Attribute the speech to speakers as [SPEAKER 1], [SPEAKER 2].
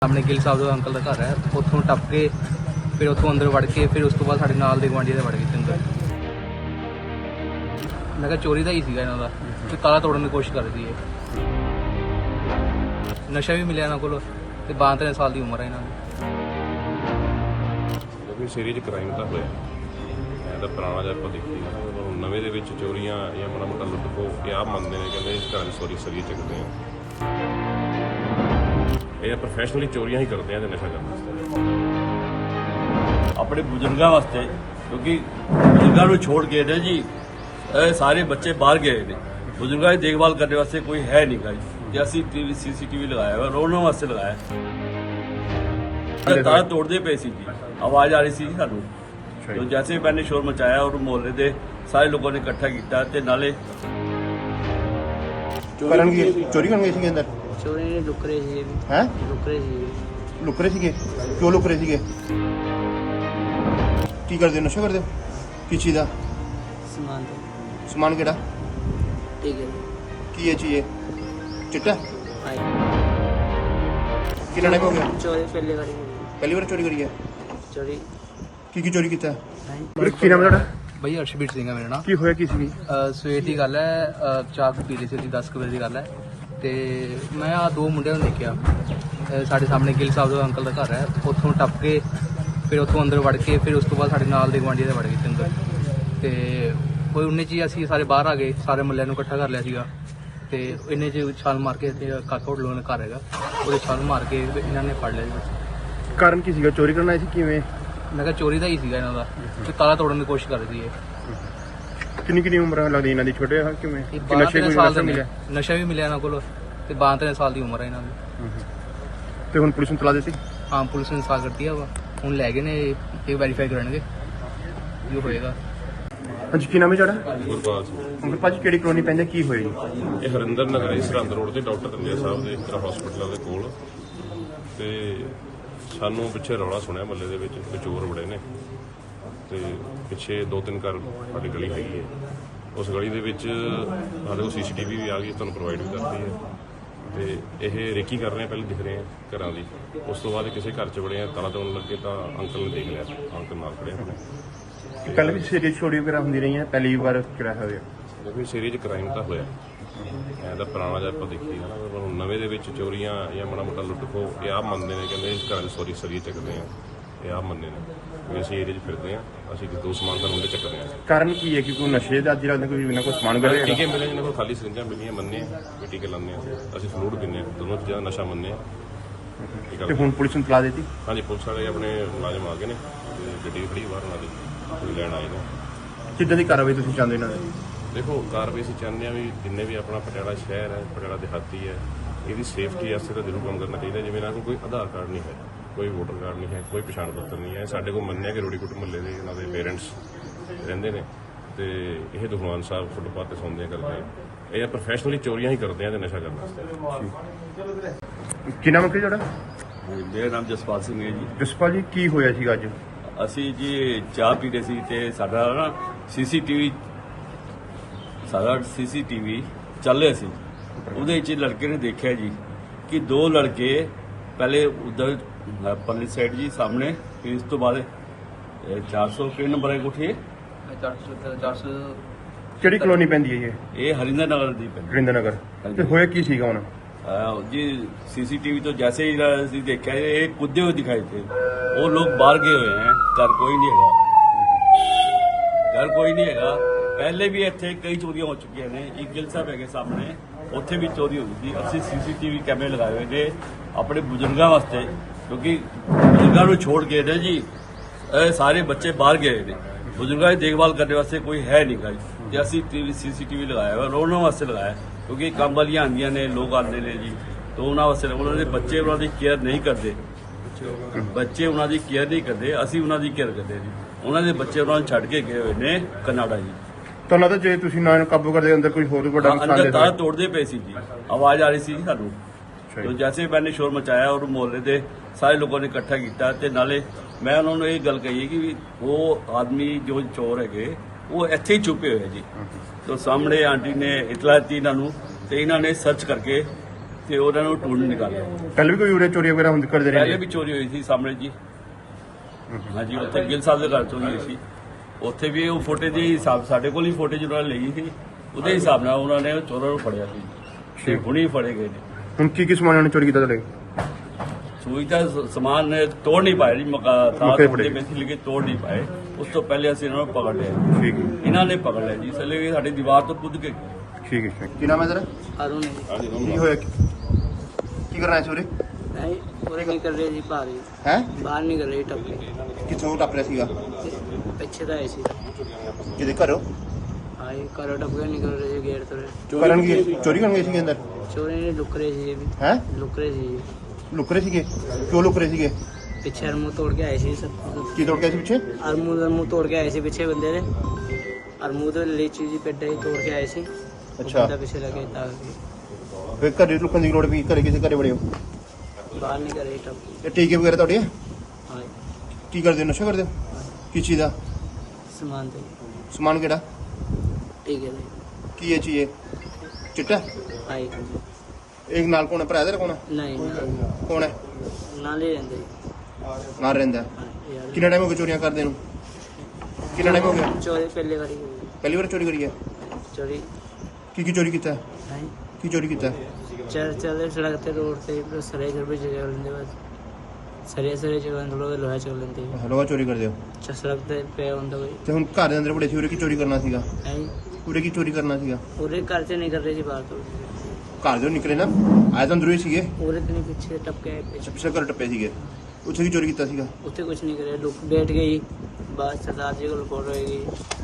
[SPEAKER 1] सामने गिल साहब का अंकल का घर है, उतों टप के फिर उतों अंदर वड़ के फिर उस तो बाद साडे नाल दे गुआंढी दे वड़ गए अंदर। मैं कहा चोरी का ही सीगा इन्हां दा कि ताला तोड़न की कोशिश कर रही है। नशा भी मिलिया इन्हां कोल ते 32 साल की उम्र है इन्हां दी।
[SPEAKER 2] क्योंकि सीरीज क्राइम ਤਾਂ ਹੋਇਆ ਇਹਦਾ ਪੁਰਾਣਾ ਜਿਹਾ ਆਪਾਂ ਦੇਖੀਏ ਨਵੇਂ ਦੇ ਵਿੱਚ ਚੋਰੀਆਂ ਜਾਂ ਮਾੜਾ ਮੋਟਾ ਲੁੱਟ ਖੋ ਇਹ ਆਪ ਮੰਨਦੇ ਨੇ, ਕਹਿੰਦੇ ਇਸ ਘਰਾਂ 'ਚ ਸੋਰੀ ਸਰੀਏ ਚੱਕਦੇ ਆ। ਇਹ ਪ੍ਰੋਫੈਸ਼ਨਲੀ ਚੋਰੀਆਂ ਹੀ ਕਰਦੇ ਆ ਤੇ ਨਸ਼ਾ ਕਰਨ ਵਾਸਤੇ
[SPEAKER 3] ਆਪਣੇ ਬਜ਼ੁਰਗਾਂ ਵਾਸਤੇ, ਕਿਉਂਕਿ ਬਜ਼ੁਰਗਾਂ ਨੂੰ ਛੋੜ ਕੇ ਨੇ ਜੀ ਇਹ ਸਾਰੇ ਬੱਚੇ ਬਾਹਰ ਗਏ ਨੇ। ਬਜ਼ੁਰਗਾਂ ਦੀ ਦੇਖਭਾਲ ਕਰਨ ਵਾਸਤੇ ਕੋਈ ਹੈ ਨਹੀਂ ਗਾ ਜੀ, ਤੇ ਅਸੀਂ CCTV ਲਗਾਇਆ ਹੋਇਆ, ਰੋਣ ਵਾਸਤੇ ਲਗਾਇਆ। ਤਾਰ ਤੋੜਦੇ ਪਏ ਸੀ ਜੀ, ਆਵਾਜ਼ ਆ ਰਹੀ ਸੀ ਸਾਨੂੰ। तो जैसे ही मैंने शोर मचाया और मोहल्ले के सारे लोगों ने इकट्ठा किया ते नाले
[SPEAKER 4] चोरी करन गए सी अंदर
[SPEAKER 1] चोरी लुक रहे थे
[SPEAKER 4] हैं
[SPEAKER 1] लुक रहे थे
[SPEAKER 4] लुक रहे सीगे क्यों लुक रहे सीगे की करदे नशा करदे किस चीज दा
[SPEAKER 1] सामान
[SPEAKER 4] समान केड़ा
[SPEAKER 1] ठीक है
[SPEAKER 4] की है चीज चिट्टा कितना टाइम हो गया
[SPEAKER 1] चोरी पहले
[SPEAKER 4] पहली बार चोरी करी है
[SPEAKER 1] चोरी
[SPEAKER 4] की चोरी किया ਵੀਰੇ ਕੀ ਨਾਮ ਤੁਹਾਡਾ
[SPEAKER 1] भैया अर्शबीर सिंह है मेरा नाम।
[SPEAKER 4] ਕੀ ਹੋਇਆ ਕੀ ਸੀ
[SPEAKER 1] ਸਵੇਰ ਦੀ ਗੱਲ ਹੈ, ਚਾਹ ਪੀ ਲਈ ਸੀ ਅਸੀਂ 10 ਵਜੇ ਦੀ ਗੱਲ ਹੈ ਤੇ ਮੈਂ ਆ ਦੋ ਮੁੰਡਿਆਂ ਨੂੰ ਦੇਖਿਆ। ਸਾਡੇ ਸਾਹਮਣੇ ਗਿਲ ਸਾਹਿਬ ਦਾ ਅੰਕਲ ਦਾ ਘਰ ਹੈ, ਉੱਥੋਂ ਟੱਪ ਕੇ ਫਿਰ ਉੱਥੋਂ ਅੰਦਰ ਵੜ ਕੇ ਫਿਰ ਉਸ ਤੋਂ ਬਾਅਦ ਸਾਡੇ ਨਾਲ ਦੇ ਗੁਆਂਢੀ ਦੇ ਵੜ ਗਏ ਅੰਦਰ ਤੇ ਕੋਈ 19 ਚ ਅਸੀਂ ਸਾਰੇ ਬਾਹਰ ਆ ਗਏ, ਸਾਰੇ ਮੁੱਲਿਆਂ ਨੂੰ ਇਕੱਠਾ ਕਰ ਲਿਆ ਸੀਗਾ ਤੇ ਇੰਨੇ ਚ ਛਾਲ ਮਾਰ ਕੇ ਇੱਥੇ ਕਾਕਾ ਹੋਟਲ ਦਾ ਘਰ ਹੈਗਾ, ਉਹਦੇ ਛਾਲ ਮਾਰ ਕੇ ਇਹਨਾਂ ਨੇ ਫੜ ਲਿਆ ਜੀ।
[SPEAKER 4] ਕਾਰਨ ਕੀ ਸੀਗਾ ਚੋਰੀ ਕਰਨਾ ਸੀ ਕਿਵੇਂ
[SPEAKER 1] ਮੈਂ ਕਿਹਾ ਚੋਰੀ ਦਾ ਹੀ ਸੀਗਾ ਇਹਨਾਂ ਦਾ ਕਿ ਤਾਲਾ ਤੋੜਨ ਦੀ ਕੋਸ਼ਿਸ਼ ਕਰ ਰਹੀ ਹੈ।
[SPEAKER 4] ਕਿੰਨੀ ਉਮਰ ਲੱਗਦੀ ਇਹਨਾਂ ਦੀ ਛੋਟੇ ਆ ਕਿਵੇਂ
[SPEAKER 1] ਇਹ
[SPEAKER 4] ਕਿ ਨਸ਼ੇ
[SPEAKER 1] 12
[SPEAKER 4] ਕੋਈ
[SPEAKER 1] ਸਾਲ
[SPEAKER 4] ਨਸ਼ਾ
[SPEAKER 1] ਦੇ
[SPEAKER 4] ਮਿਲਿਆ
[SPEAKER 1] ਨਸ਼ਾ ਵੀ ਮਿਲਿਆ ਇਹਨਾਂ ਕੋਲ ਤੇ 32 ਸਾਲ ਦੀ ਉਮਰ ਹੈ ਇਹਨਾਂ ਦੀ।
[SPEAKER 4] ਤੇ ਹੁਣ ਪੁਲਿਸ ਨੂੰ ਤਲਾ ਦਿੱਤੀ
[SPEAKER 1] ਹਾਂ ਪੁਲਿਸ ਨੇ ਇਨਸਾਫ ਕਰਤੀ ਆ ਵਾ, ਹੁਣ ਲੈ ਗਏ ਨੇ ਇਹ ਵੈਰੀਫਾਈ ਕਰਨਗੇ ਜੋ ਹੋਏਗਾ।
[SPEAKER 4] ਹਾਂਜੀ ਕੀ ਨਾਮ ਹੈ ਤੁਹਾਡਾ
[SPEAKER 2] ਗੁਰਪਾਲ ਸਿੰਘ
[SPEAKER 4] ਅੰਕਲ ਭਾਜੀ ਕਿਹੜੀ ਕਲੋਨੀ ਪੈਂਦੀ ਕੀ ਹੋਇਆ ਜੀ
[SPEAKER 2] ਇਹ ਹਰਿੰਦਰ ਨਗਰ ਹੈ, ਸਰਹੰਦ ਰੋਡ ਤੇ ਡਾਕਟਰ ਰੰਜਾ ਸਾਹਿਬ ਦੇ ਇੱਕ ਹਸਪੀਟਲ ਦੇ ਕੋਲ। ਤੇ ਸਾਨੂੰ ਪਿੱਛੇ ਰੌਲਾ ਸੁਣਿਆ ਮਹੱਲੇ ਦੇ ਵਿੱਚ ਕਿ ਚੋਰ ਬੜੇ ਨੇ ਤੇ ਪਿੱਛੇ 2-3 ਘਰ ਸਾਡੀ ਗਲੀ ਹੈਗੀ ਹੈ, ਉਸ ਗਲੀ ਦੇ ਵਿੱਚ ਸਾਡੇ ਕੋਲ CCTV ਵੀ ਆ ਗਈ, ਤੁਹਾਨੂੰ ਪ੍ਰੋਵਾਈਡ ਵੀ ਕਰਤੀ ਹੈ ਤੇ ਇਹ ਰੇਕੀ ਕਰ ਰਹੇ ਆ, ਪਹਿਲੇ ਦਿਖ ਰਹੇ ਆ ਘਰਾਂ ਦੀ। ਉਸ ਤੋਂ ਬਾਅਦ ਕਿਸੇ ਘਰ 'ਚ ਵੜੇ ਆ, ਤਾਲਾ ਤੋੜਨ ਲੱਗੇ ਤਾਂ ਅੰਕਲ ਨੇ ਦੇਖ ਲਿਆ, ਅੰਕਲ ਨਾਲ ਖੜੇ ਆਪਣੇ।
[SPEAKER 4] ਪਹਿਲਾਂ ਵੀ ਸੀਰੀਅਸ ਚੋਰੀ ਵਗੈਰਾ ਹੁੰਦੀ ਰਹੀਆਂ ਪਹਿਲੀ ਵਾਰ ਕਿਹੜਾ ਹੋਇਆ
[SPEAKER 2] ਕਿਉਂਕਿ ਸੀਰੀਜ਼ ਕ੍ਰਾਈਮ ਤਾਂ ਹੋਇਆ ਇਹਦਾ ਪੁਰਾਣਾ ਜਿਹਾ ਆਪਾਂ ਦੇਖੀਏ ਨਵੇਂ ਦੇ ਵਿੱਚ ਚੋਰੀਆਂ ਜਾਂ ਮਾੜਾ ਮੋਟਾ ਲੁੱਟ ਖੋ ਇਹ ਆਪ ਮੰਨਦੇ ਨੇ, ਕਹਿੰਦੇ ਇਸ ਘਰਾਂ 'ਚ ਸੋਰੀ ਸਰੀਏ ਚੱਕਦੇ ਆ। ਇਹ ਆਪ ਮੰਨਦੇ ਨੇ ਵੀ ਅਸੀਂ ਏਰੀਏ 'ਚ ਫਿਰਦੇ ਆ, ਅਸੀਂ ਦੋ ਸਮਾਨ ਤਾਂ ਉਹਦੇ ਚੱਕਦੇ ਆ।
[SPEAKER 4] ਕਾਰਨ ਕੀ ਹੈ ਕਿ ਕੋਈ ਨਸ਼ੇ ਦਾ ਅੱਜ ਲੱਗਦਾ ਕੋਈ ਬਿਨਾਂ ਕੋਈ ਸਮਾਨ ਕਰੇ
[SPEAKER 2] ਟੀਕੇ ਮਿਲੇ ਜਿਹਨਾਂ ਕੋਲ ਖਾਲੀ ਸਰਿੰਜਾਂ ਮਿਲੀਆਂ ਮੰਨੇ ਆ ਵੀ ਟੀਕੇ ਲਾਉਂਦੇ ਆ, ਅਸੀਂ ਫਲੂਡ ਪੀਂਦੇ ਆ, ਦੋਨੋਂ ਚੀਜ਼ਾਂ ਨਸ਼ਾ ਮੰਨਦੇ ਆ।
[SPEAKER 4] ਤੇ ਹੁਣ ਪੁਲਿਸ ਨੂੰ ਤਲਾ ਦਿੱਤੀ
[SPEAKER 2] ਹਾਂਜੀ ਪੁਲਿਸ ਵਾਲੇ ਆਪਣੇ ਮੁਲਾਜ਼ਮ ਆ ਗਏ ਨੇ ਤੇ ਗੱਡੀ ਖੜੀ ਬਾਹਰ ਉਹਨਾਂ ਦੀ ਕੋਈ ਲੈਣ ਆਏ ਨੇ।
[SPEAKER 4] ਕਿੱਦਾਂ ਦੀ ਕਾਰਵਾਈ ਤੁਸੀਂ ਚਾਹੁੰਦੇ ਇਹਨਾਂ ਦੀ
[SPEAKER 2] ਦੇਖੋ ਕਾਰਵਾਈ ਅਸੀਂ ਚਾਹੁੰਦੇ ਹਾਂ ਵੀ ਜਿੰਨੇ ਵੀ ਆਪਣਾ ਪਟਿਆਲਾ ਸ਼ਹਿਰ ਹੈ, ਪਟਿਆਲਾ ਦਿਹਾਤੀ ਹੈ, ਇਹਦੀ ਸੇਫਟੀ ਵਾਸਤੇ ਤਾਂ ਜ਼ਰੂਰ ਕੰਮ ਕਰਨਾ ਚਾਹੀਦਾ। ਜਿਵੇਂ ਇਹਨਾਂ ਕੋਲ ਕੋਈ ਆਧਾਰ ਕਾਰਡ ਨਹੀਂ ਹੈ, ਕੋਈ ਵੋਟਰ ਕਾਰਡ ਨਹੀਂ ਹੈ, ਕੋਈ ਪਛਾਣ ਪੱਤਰ ਨਹੀਂ ਹੈ। ਸਾਡੇ ਕੋਲ ਮੰਨਿਆ ਕਿ ਰੋੜੀਕੁੱਟ ਮੁਹੱਲੇ ਦੇ ਇਹਨਾਂ ਦੇ ਪੇਰੈਂਟਸ ਰਹਿੰਦੇ ਨੇ ਤੇ ਇਹ ਦੁਖਵਾਨ ਸਾਹਿਬ ਫੁੱਟਪਾਥ ਤੇ ਸੌਂਦੇ ਕਰਦੇ ਆ। ਇਹ ਪ੍ਰੋਫੈਸ਼ਨਲੀ ਚੋਰੀਆਂ ਹੀ ਕਰਦੇ ਆ ਤੇ ਨਸ਼ਾ ਕਰਨ ਵਾਸਤੇ।
[SPEAKER 4] ਕੀ ਨਾਮ ਹੈ ਤੁਹਾਡਾ
[SPEAKER 3] ਮੇਰਾ ਨਾਮ ਜਸਪਾਲ ਸਿੰਘ ਹੈ ਜੀ।
[SPEAKER 4] ਜਸਪਾਲ ਜੀ ਕੀ ਹੋਇਆ ਸੀਗਾ ਅੱਜ
[SPEAKER 3] ਅਸੀਂ ਜੀ ਚਾਹ ਪੀ ਰਹੇ ਸੀ ਤੇ ਸਾਡਾ ਨਾ CCTV ਚੱਲ ਰਿਹਾ ਸੀ। ਉਹਦੇ ਵਿੱਚ ਲੜਕੇ ਨੇ ਦੇਖਿਆ ਜੀ ਕਿ ਦੋ ਲੜਕੇ ਪਹਿਲੇ ਉਧਰ ਪਰਲੀ ਸਾਈਡ ਜੀ ਸਾਹਮਣੇ, ਫਿਰ ਇਸ ਤੋਂ ਬਾਅਦ 400 ਕਿਹੜੇ ਨੰਬਰ ਹੈ ਕੋਠੀ
[SPEAKER 1] 400
[SPEAKER 4] ਕਿਹੜੀ ਕਲੋਨੀ ਪੈਂਦੀ ਹੈ
[SPEAKER 3] ਇਹ ਹਰਿੰਦਰ ਨਗਰ ਦੀ ਪੈਂਦੀ
[SPEAKER 4] ਰਿੰਦਰ ਨਗਰ ਤੇ ਹੋਇਆ ਕੀ ਸੀਗਾ ਹੁਣ
[SPEAKER 3] जी CCTV तो जैसे ही देखा ये कूदे हुए दिखाई थे, वो लोग बाहर गए हुए हैं, घर कोई नहीं है, पहले भी इतने कई चोरियां हो चुकी हैं। एक गिल साहब है सामने उत्थे भी चोरी हो गई थी। असं CCTV कैमरे लगाए हुए ने अपने बजुर्गों वास्ते, क्योंकि बजुर्गों को छोड़ के ने जी सारे बच्चे बाहर गए थे। बजुर्गों की देखभाल करने वास्ते कोई है नहीं गा जी, असं CCTV लगाया हुआ, रोने वास्ते लगाया क्योंकि काम वालियां आंदियां ने, लोग आते हैं जी, तो उन्होंने वास्ते उन्होंने बच्चे उन्होंने केयर नहीं करते, ਬੱਚੇ ਉਹਨਾਂ ਦੀ ਕੇਅਰ ਨਹੀਂ ਕਰਦੇ, ਅਸੀਂ ਉਹਨਾਂ ਦੀ ਕੇਅਰ ਕਰਦੇ ਜੀ। ਉਹਨਾਂ ਦੇ ਬੱਚੇ ਉਹਨਾਂ ਨੂੰ ਛੱਡ ਕੇ ਗਏ ਹੋਏ ਨੇ ਕਨਾਡਾ ਜੀ।
[SPEAKER 4] ਤੁਹਾਨੂੰ ਲੱਗਦਾ ਜੇ ਤੁਸੀਂ ਨਾ ਕਾਬੂ ਕਰਦੇ ਅੰਦਰ ਕੋਈ ਹੋਰ ਵੱਡਾ ਨੁਕਸਾਨ
[SPEAKER 3] ਅੰਦਰ
[SPEAKER 4] ਦੇ
[SPEAKER 3] ਤਾਰ ਤੋੜਦੇ ਪਏ ਸੀ ਜੀ, ਆਵਾਜ਼ ਆ ਰਹੀ ਸੀ ਸਾਨੂੰ। तो जैसे ही मैंने शोर मचाया और मोहल्ले के सारे लोगों ने इकट्ठा किया ते नाले मैं उन्होंने ये गल कही कि वो आदमी जो चोर है वो इत्थे ही छुपे हुए जी। तो सामने आंटी ने इतला दी इन्होंने, तो इन्होंने सर्च करके ਤੇ ਉਹਨਾਂ ਨੂੰ ਟੂਲ ਨਿਕਾਲਿਆ।
[SPEAKER 4] ਪਹਿਲੇ ਵੀ ਕੋਈ ਉਰੇ ਚੋਰੀ ਵਗੈਰਾ ਕਰਦੇ ਰਹੇ
[SPEAKER 3] ਪਹਿਲੇ ਵੀ ਚੋਰੀ ਹੋਈ ਸੀ ਸਾਹਮਣੇ ਜੀ। ਹਾਂਜੀ, ਉੱਥੇ ਗਿੱਲ ਸਾਹਿਬ ਦੇ ਘਰ ਚੋਰੀ ਹੋਈ ਸੀ। ਉੱਥੇ ਵੀ ਉਹ ਫੁਟੇਜ ਦੇ ਹਿਸਾਬ ਸਾਡੇ ਕੋਲ ਹੀ ਫੁਟੇਜ ਉਹਨਾਂ ਨੇ ਲਈ ਸੀ, ਉਹਦੇ ਹਿਸਾਬ ਨਾਲ ਉਹਨਾਂ ਨੇ ਚੋਰਾਂ ਨੂੰ ਫੜਿਆ ਸੀ ਤੇ ਹੁਣੀ ਫੜੇ ਗਏ ਨੇ।
[SPEAKER 4] ਹੁਣ ਕੀ ਸਮਾਨ ਉਹਨੇ ਚੋਰੀ ਕੀਤਾ ਤੁਹਾਡੇ?
[SPEAKER 3] ਸੂਈ ਦਾ ਸਮਾਨ ਨੇ ਤੋੜ ਨਹੀਂ ਪਾਇਆ ਜੀ, ਤਾਂ
[SPEAKER 4] ਮੌਕੇ
[SPEAKER 3] ਤੋੜਦੇ ਬੈਠੀ ਲਿਖੇ ਤੋੜ ਨਹੀਂ ਪਾਏ। ਉਸ ਤੋਂ ਪਹਿਲੇ ਅਸੀਂ ਇਹਨਾਂ ਨੂੰ ਪਕੜ ਲਿਆ।
[SPEAKER 4] ਠੀਕ ਹੈ,
[SPEAKER 3] ਇਹਨਾਂ ਨੇ ਪਕੜ ਲਿਆ ਜੀ, ਇਸ ਲਈ ਸਾਡੀ ਦੀਵਾਰ ਤੋਂ ਕੁੱਦ ਕੇ
[SPEAKER 4] ਠੀਕ ਹੈ। ਕੀ ਨਾਮ ਹੈ ਸਰ?
[SPEAKER 1] ਅਰੁਣ
[SPEAKER 4] ਕੀ ਹੋਇਆ, ਕੀ ਕਰਨਾ ਹੈ ਚੋਰੀ?
[SPEAKER 1] ਨਹੀਂ ਪੂਰੇ ਨਹੀਂ ਕਰ ਰਹੇ ਜੀ, ਭਾਰੀ
[SPEAKER 4] ਹੈ
[SPEAKER 1] ਬਾਹਰ ਨਹੀਂ ਕਰ ਰਹੇ ਟੱਪੇ
[SPEAKER 4] ਕਿੱਥੋਂ ਟੱਪ ਰਿਹਾ ਸੀਗਾ?
[SPEAKER 1] ਪਿੱਛੇ ਦਾ ਆਏ ਸੀ।
[SPEAKER 4] ਜਿਹਦੇ ਘਰੋਂ
[SPEAKER 1] ਆਏ ਘਰੋਂ ਟੱਪ ਕੇ ਨਿਕਲ ਰਹੇ ਸੀ ਗੇਟ ਤੋਂ।
[SPEAKER 4] ਕਰਨ ਕੀ ਚੋਰੀ ਕਰਨ ਗਏ ਸੀਗੇ ਅੰਦਰ?
[SPEAKER 1] ਚੋਰੀ ਨੇ ਲੁੱਕ ਰਹੇ ਸੀ ਜੀ,
[SPEAKER 4] ਹੈ
[SPEAKER 1] ਲੁੱਕ ਰਹੇ ਸੀ ਜੀ।
[SPEAKER 4] ਲੁਕ ਰਹੇ ਸੀਗੇ? ਕਿਉਂ ਲੁਕ ਰਹੇ ਸੀਗੇ?
[SPEAKER 1] ਪਿੱਛੇ ਅਰਮੂ ਤੋੜ ਕੇ ਆਏ ਸੀ ਸਭ।
[SPEAKER 4] ਕੀ ਤੋੜ ਗਿਆ ਸੀ ਪਿੱਛੇ?
[SPEAKER 1] ਅਰਮੂ ਦਾ ਮੂੰਹ ਤੋੜ ਕੇ ਆਏ ਸੀ ਪਿੱਛੇ ਬੰਦੇ ਨੇ। ਅਰਮੂ ਦੇ ਲੀਚੀ ਜੀ ਪੇਡੇ ਤੋੜ ਕੇ ਆਏ ਸੀ।
[SPEAKER 4] ਅੱਛਾ।
[SPEAKER 1] ਬੰਦਾ ਪਿੱਛੇ ਲੱਗੇ ਤਾਂ
[SPEAKER 4] ਫਿਰ ਘਰੇ ਲੁਕਣ ਦੀ ਲੋੜ ਵੀ, ਘਰੇ ਕਿਸੇ ਘਰੇ ਬੜੇ ਹੋ?
[SPEAKER 1] ਬਾਹਰ ਨਹੀਂ ਕਰ ਰਹੇ ਟੱਪ।
[SPEAKER 4] ਇਹ ਟੀਕੇ ਵਗੈਰਾ ਤੁਹਾਡੇ ਆ?
[SPEAKER 1] ਹਾਂ
[SPEAKER 4] ਕੀ ਕਰਦੇ ਹੋ, ਨਸ਼ਾ ਕਰਦੇ ਹੋ? ਕਿਸ ਚੀਜ਼ ਦਾ
[SPEAKER 1] ਸਮਾਨ ਤੇ
[SPEAKER 4] ਸਮਾਨ? ਕਿਹੜਾ?
[SPEAKER 1] ਠੀਕ ਹੈ ਜੀ।
[SPEAKER 4] ਕੀ ਇਹ ਚੀਜ਼ ਹੈ? ਚਿੱਟਾ?
[SPEAKER 1] ਆਏ
[SPEAKER 4] ਇੱਕ ਨਾਲ ਕੋਣ ਹੈ, ਭਰਾ ਦਾ ਕੋਣ ਹੈ?
[SPEAKER 1] ਨਹੀਂ
[SPEAKER 4] ਕੌਣ ਹੈ?
[SPEAKER 1] ਨਾਲ ਹੀ ਰਹਿੰਦੇ
[SPEAKER 4] ਨਾਲ ਰਹਿੰਦਾ?
[SPEAKER 1] ਯਾਰ
[SPEAKER 4] ਕਿੰਨਾ ਟਾਈਮ ਹੋ ਗਿਆ ਚੋਰੀਆਂ ਕਰਦੇ ਨੂੰ? ਕਿੰਨਾ ਟਾਈਮ ਹੋ ਗਿਆ?
[SPEAKER 1] ਚੋਰੀ ਪਹਿਲੇ ਵਾਰੀ ਹੋਈ।
[SPEAKER 4] ਪਹਿਲੀ ਵਾਰ ਚੋਰੀ ਕਰੀ ਹੈ?
[SPEAKER 1] ਚੋਰੀ
[SPEAKER 4] ਕੀ ਚੋਰੀ ਕੀਤਾ?
[SPEAKER 1] ਨਹੀਂ
[SPEAKER 4] ਕੀ ਚੋਰੀ ਕੀਤਾ?
[SPEAKER 1] ਚੱਲਦੇ ਸੜਕ ਤੇ रोड ਤੇ ਸਰੇ ਘਰ ਵਿੱਚ ਜਗ੍ਹਾ ਲੈਂਦੇ ਬਸ ਸਰੇ ਜਗ੍ਹਾ ਲੋਕ ਲੋਹਾ ਚੱਲ ਲੈਂਦੇ
[SPEAKER 4] ਲੋਹਾ ਚੋਰੀ ਕਰਦੇ ਹੋ?
[SPEAKER 1] ਸੜਕ ਤੇ ਪਿਆ ਹੁੰਦਾ ਕੋਈ
[SPEAKER 4] ਤੇ ਹੁਣ ਘਰ ਦੇ ਅੰਦਰ ਬੜੇ ਸੀ, ਉਰੇ ਕੀ ਚੋਰੀ ਕਰਨਾ ਸੀਗਾ?
[SPEAKER 1] ਨਹੀਂ
[SPEAKER 4] ਉਰੇ ਕੀ ਚੋਰੀ ਕਰਨਾ ਸੀਗਾ?
[SPEAKER 1] ਪੂਰੇ ਘਰ ਚ ਨਹੀਂ ਕਰ ਰਹੇ ਜੀ ਬਾਹਰ ਤੋਂ
[SPEAKER 4] ਘਰ ਦੇ ਨਿਕਲੇ ਨਾ, ਆਏ ਤਾਂ ਅੰਦਰੋਂ ਹੀ ਸੀਗੇ।
[SPEAKER 1] ਪੂਰੇ ਦਿਨ ਪਿੱਛੇ ਟੱਪ ਕੇ ਆਏ ਪਿੱਛੇ
[SPEAKER 4] ਪਿਛਲੇ ਘਰ ਟੱਪੇ ਸੀਗੇ, ਉੱਥੇ ਕੀ ਚੋਰੀ ਕੀਤਾ ਸੀਗਾ?
[SPEAKER 1] ਉੱਥੇ ਕੁਝ ਨਹੀਂ ਕਰਿਆ ਲੋਕ ਬੈਠ ਗਈ ਬਾਅਦ ਸਰਦਾਰ ਜੀ ਕੋਲ ਫੋਟੋ ਹੋਏਗੀ